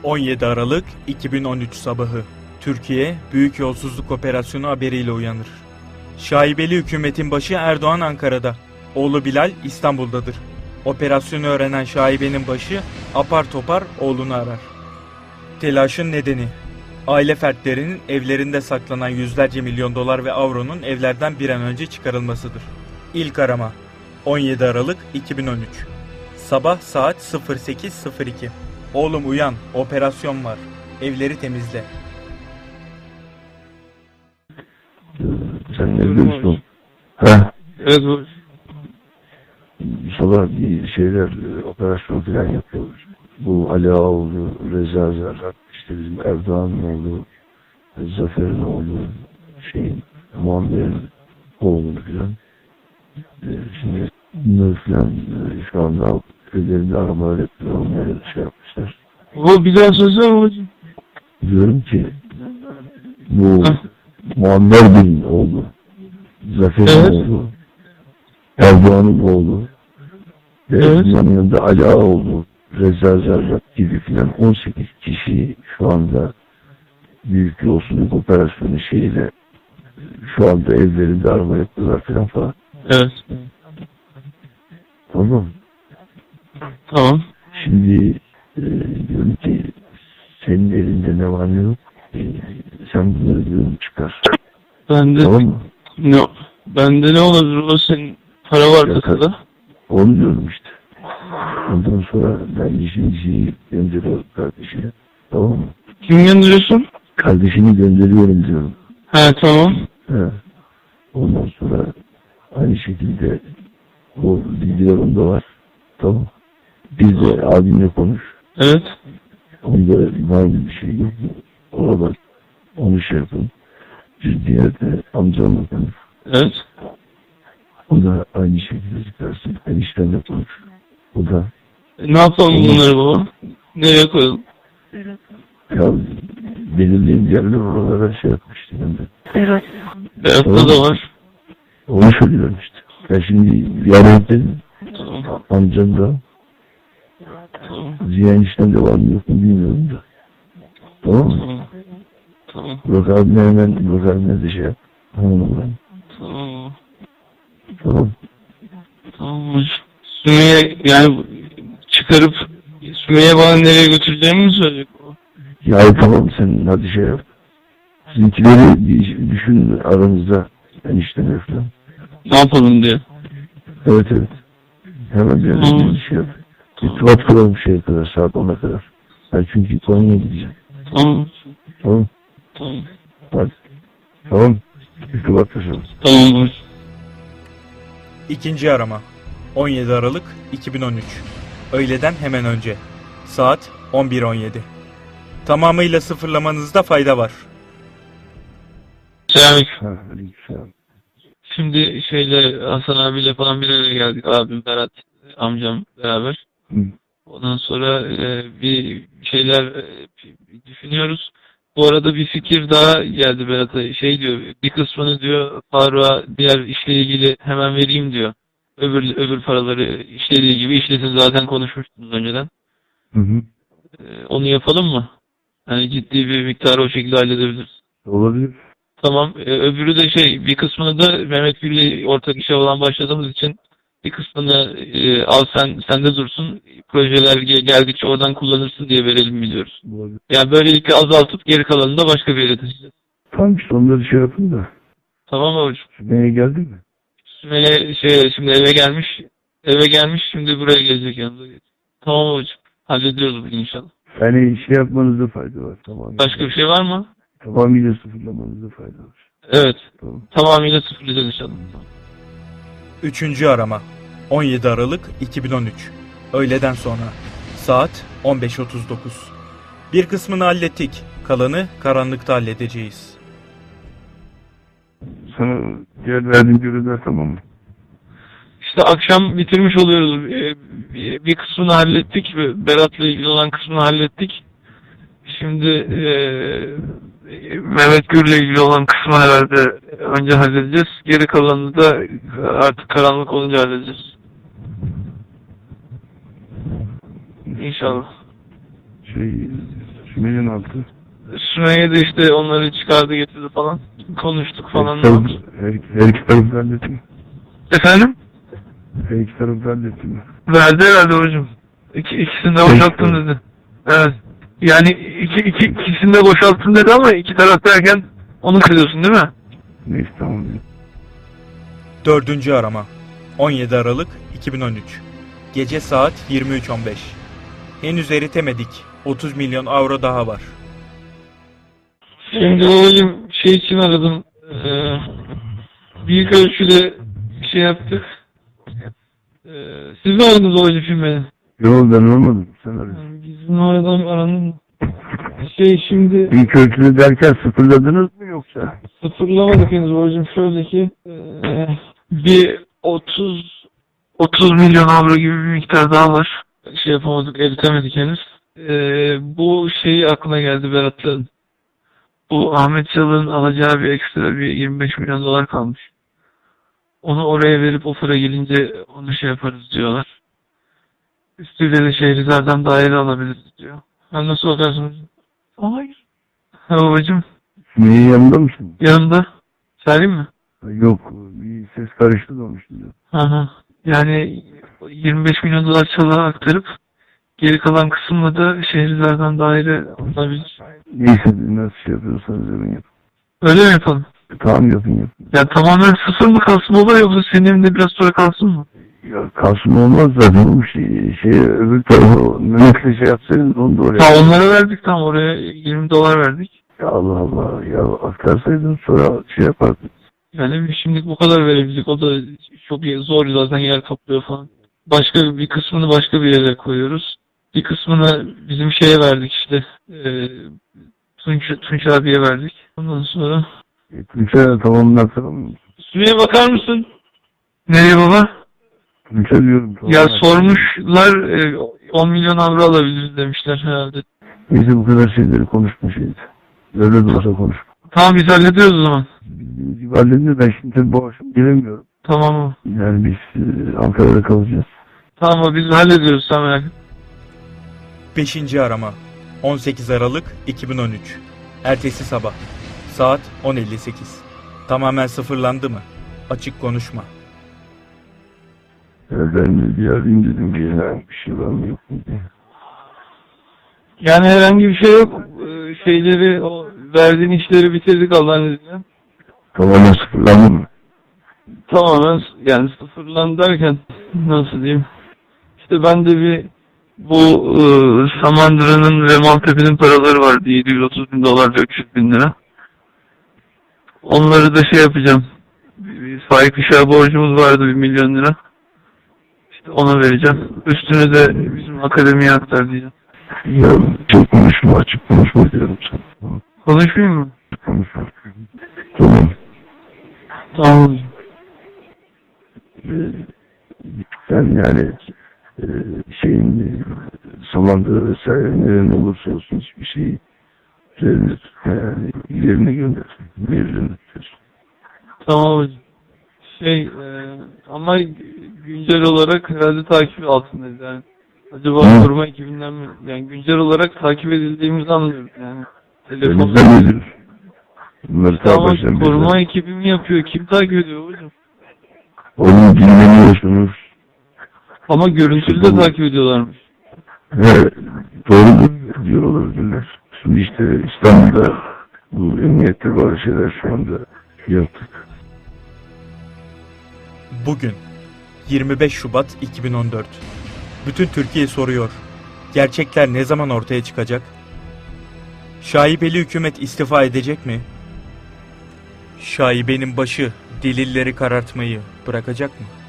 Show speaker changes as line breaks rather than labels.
17 Aralık 2013 sabahı Türkiye büyük yolsuzluk operasyonu haberiyle uyanır. Şaibeli hükümetin başı Erdoğan Ankara'da, oğlu Bilal İstanbul'dadır. Operasyonu öğrenen şaibenin başı apar topar oğlunu arar. Telaşın nedeni, aile fertlerinin evlerinde saklanan yüzlerce milyon dolar ve avronun evlerden bir an önce çıkarılmasıdır. İlk arama 17 Aralık 2013 Sabah saat 08:02. Oğlum uyan, operasyon var. Evleri temizle.
Sen ne diyorsun? Ha?
Evet bu.
Sabah bir şeyler, operasyon falan yapıyoruz. Bu Ali Ağoğlu, Reza Zerrak, işte bizim Erdoğan'ın oğlu, Zafer'in oğlu, Muammer'in oğlu falan. Şimdi bunları falan şu anda ellerinde aramalar yapıyorlar, onları şey yapmışlar.
Bu bir daha söylesene babacığım.
Diyorum ki bu Muammer Bey'in oğlu, Zafer'in oğlu, Erdoğan'ın oğlu, ve bunların yanında Ali Ağoğlu, Reza Zerrak gibi filan 18 kişi şu anda büyük yolsuzluk operasyonu şeyiyle şu anda evlerinde arama yapıyorlar falan.
Evet.
Tamam.
Tamam.
Şimdi diyorum ki senin elinde ne var ne yok, sen bunları diyorum çıkar.
Bende
Tamam mı?
ne? Bende ne olabilir? O senin para var kasada.
Onu diyorum işte. Ondan sonra ben işini gönderiyorum kardeşine. Tamam mı?
Kim gönderiyorsun?
Kardeşini gönderiyorum diyorum.
He tamam.
He. Ondan sonra aynı şekilde o bilgiler onda var. Tamam. Bir de abimle konuş.
Evet.
Onda var bir şey yok. Ona bak. Onu şey yapın. Bir diğer de amcamla konuş.
Evet.
O da aynı şekilde çıkarsın. Eniştenle konuş. O da
Ne yapalım bunları baba? Nereye koyalım?
ya belirleyen yerler oralara şey yapmıştı ben de.
Evet.
Berat'ta da var.
Onu söylüyorum işte. Ben şimdi yarın dedim.
Tamam.
Amcam da
Tamam.
Ziya enişten de var mı yok mu bilmiyorum da. Tamam mı?
Tamam. Tamam.
Burak abime de şey yap. Hanımla.
Tamam.
Tamam.
Tamam. Sümeyye yani çıkarıp Sümeyye bana nereye götüreceğimi mi söyleyecek o?
Ya tamam sen hadi şey yap. Sizinkileri bir düşün aranızda. Enişten falan.
Ne yapalım diye.
Evet. Hemen bir şey yap. İrtibat kuralım şeye kadar, saat 10'a kadar. Ben çünkü Konya'ya gideceğim.
Tamam.
Tamam.
Tamam.
Hadi. Tamam. İrtibat kuralım.
Tamam.
İkinci arama 17 Aralık 2013 Öğleden hemen önce Saat 11:17 Tamamıyla sıfırlamanızda fayda var.
Selamünaleyküm.
Aleykümselam.
Şimdi Hasan abiyle falan bir araya geldik. Abim, Berat, amcam beraber.
Hı.
Ondan sonra bir şeyler düşünüyoruz. Bu arada bir fikir daha geldi Berat'a. Diyor, bir kısmını diyor Faruk'a diğer işle ilgili hemen vereyim diyor. Öbür paraları işlediği gibi işlesin, zaten konuşmuştunuz önceden.
Hı.
Onu yapalım mı? Yani ciddi bir miktarı o şekilde halledebiliriz.
Olabilir.
Tamam. Öbürü de bir kısmını da Mehmet Gül'le ortak işe olan başladığımız için bir kısmını al sende dursun. Projeler geldikçe oradan kullanırsın diye verelim biliyoruz.
Olabilir.
Yani böylelikle azaltıp geri kalanını da başka bir yere taşıyacağız.
Tamam işte onları şey yapın da.
Tamam babacığım.
Sümeyye geldi mi?
Sümeyye şimdi eve gelmiş. Eve gelmiş, şimdi buraya gelecek yanında. Tamam babacığım. Hallediyoruz bugün inşallah.
Yani şey yapmanızda fayda var. Tamam.
Başka bir şey var mı?
Tamamıyla sıfırlamanızda fayda var.
Evet.
Tamam.
Tamamıyla sıfırlayacağız inşallah.
Üçüncü arama 17 Aralık 2013 Öğleden sonra Saat 15:39 Bir kısmını hallettik. Kalanı karanlıkta halledeceğiz.
Sana diğer verdiğim görevler tamam mı?
İşte akşam bitirmiş oluyoruz. Bir kısmını hallettik. Berat'la ilgili olan kısmını hallettik. Şimdi Mehmet Gür'le ilgili olan kısmı herhalde önce halledeceğiz. Geri kalanını da artık karanlık olunca halledeceğiz. İnşallah.
Milyon altı.
Sümeyye de işte onları çıkardı getirdi falan. Konuştuk falan.
Her iki taraf halletti mi?
Efendim?
Her iki taraf halletti mi?
Verdi herhalde hocam. İkisini de boşalttım dedi. Evet. Yani ikisini de boşalttım dedi ama iki taraf derken onu kırıyorsun değil mi?
Neyse tamam.
4. arama 17 Aralık 2013 Gece saat 23.15 Henüz eritemedik. 30 milyon avro daha var.
Şimdi babacığım şey için aradım. Büyük ölçüde şey yaptık. Siz mi aradınız babacığım şimdi beni?
Yok ben olmadım. Sen arıyorsun.
Bizim oradan aranın şimdi
İlk ölçülü derken sıfırladınız mı yoksa?
sıfırlamadık henüz babacığım. Şöyle ki bir 30 milyon avro gibi bir miktar daha var. Şey yapamadık, eritemedik henüz. Bu şey aklına geldi Berat'ın. Bu Ahmet Çalık'ın alacağı bir ekstra bir 25 milyon dolar kalmış. Onu oraya verip o para gelince onu şey yaparız diyorlar. Üstüyle de Şehrizar'dan daire alabiliriz diyor. Ben nasıl bakarsınız? Hayır. Ha babacığım,
Sümeyye yanında mısın?
yanımda. Söyleyeyim mi?
Yok bir ses karıştı da onun şimdi.
Hı. Yani 25 milyon dolar Çalık'a aktarıp geri kalan kısımla da Şehrizar'dan daire alınabilir.
Neyse nasıl şey yapıyorsanız yapın yapın.
Öyle mi yapalım?
Tamam yapın.
Ya tamamen sıfır mı kalsın baba yoksa senin evinde biraz sonra kalsın mı?
Ya kalsın olmaz zaten oğlum öbür tarafa Mehmet'le şey yapsaydınız onu da oraya.
Ha onlara verdik tam oraya 20 dolar verdik.
Ya Allah Allah ya aktarsaydın sonra şey yapardın.
Yani şimdilik bu kadar verebildik. O da çok zor zaten yer kaplıyor falan. Başka bir kısmını başka bir yere koyuyoruz. Bir kısmını bizim şeye verdik işte. Tunç abiye verdik. Ondan sonra...
Tunç'a tamamını aktaramıyor musun?
Sümeyye bakar mısın? Nereye baba?
Tunç'a diyorum.
Ya sormuşlar 10 milyon avro alabiliriz demişler herhalde.
Neyse bu kadar şeyleri konuşma şeydi. Öyle de olsa konuş.
Tamam biz hallediyoruz o zaman.
Halledince ben şimdi tabii bu akşam gelemiyorum.
Tamam mı?
Yani biz Ankara'da kalacağız.
Tamam biz hallediyoruz sen merak etme.
5. arama 18 Aralık 2013 Ertesi sabah Saat 10.58 Tamamen sıfırlandı mı? Açık konuşma.
Ben de bir arayayım dedim bir bir şey var mı yok mu diye.
Yani herhangi bir şey yok. Şeyleri, o verdiğin işleri bitirdik Allah'ın izniyle.
Tamamen sıfırlandı mı?
Tamamen yani sıfırlandı derken nasıl diyeyim? İşte ben de bir bu Samandıra'nın ve Maltepe'nin paraları vardı. 730 bin dolar ve 300 bin lira. Onları da şey yapacağım. Bir Faik Işık'a borcumuz vardı 1 milyon lira. İşte ona vereceğim. Üstünü de bizim akademiye aktar diyeceğim.
Ya çok konuşma açık konuşma diyorum sana.
Konuşmayayım mı?
Konuşma. Tamam.
Tamam.
Sen yani Samandıra vesaire neren olursa olsun hiçbir şeyi üzerine tutma yani yerine gönder. Yerine tutuyorsun.
Tamam hocam. Ama güncel olarak herhalde takip altındayız yani. Acaba koruma ekibinden mi? Yani güncel olarak takip edildiğimizi anlıyoruz yani. Telefonda.
Elimizden ediyoruz. Bunları
Tamam
baştan
koruma ekibi mi yapıyor? Kim takip ediyor hocam?
Onu dinlemiyorsunuz.
Ama görüntülü de takip ediyorlarmış.
Evet. Doğrudur diyor olabilirler. Şimdi işte İstanbul'da bu emniyette bazı şeyler şu anda yaptık.
Bugün 25 Şubat 2014 Bütün Türkiye soruyor. Gerçekler ne zaman ortaya çıkacak? Şaibeli hükümet istifa edecek mi? Şaibenin başı delilleri karartmayı bırakacak mı?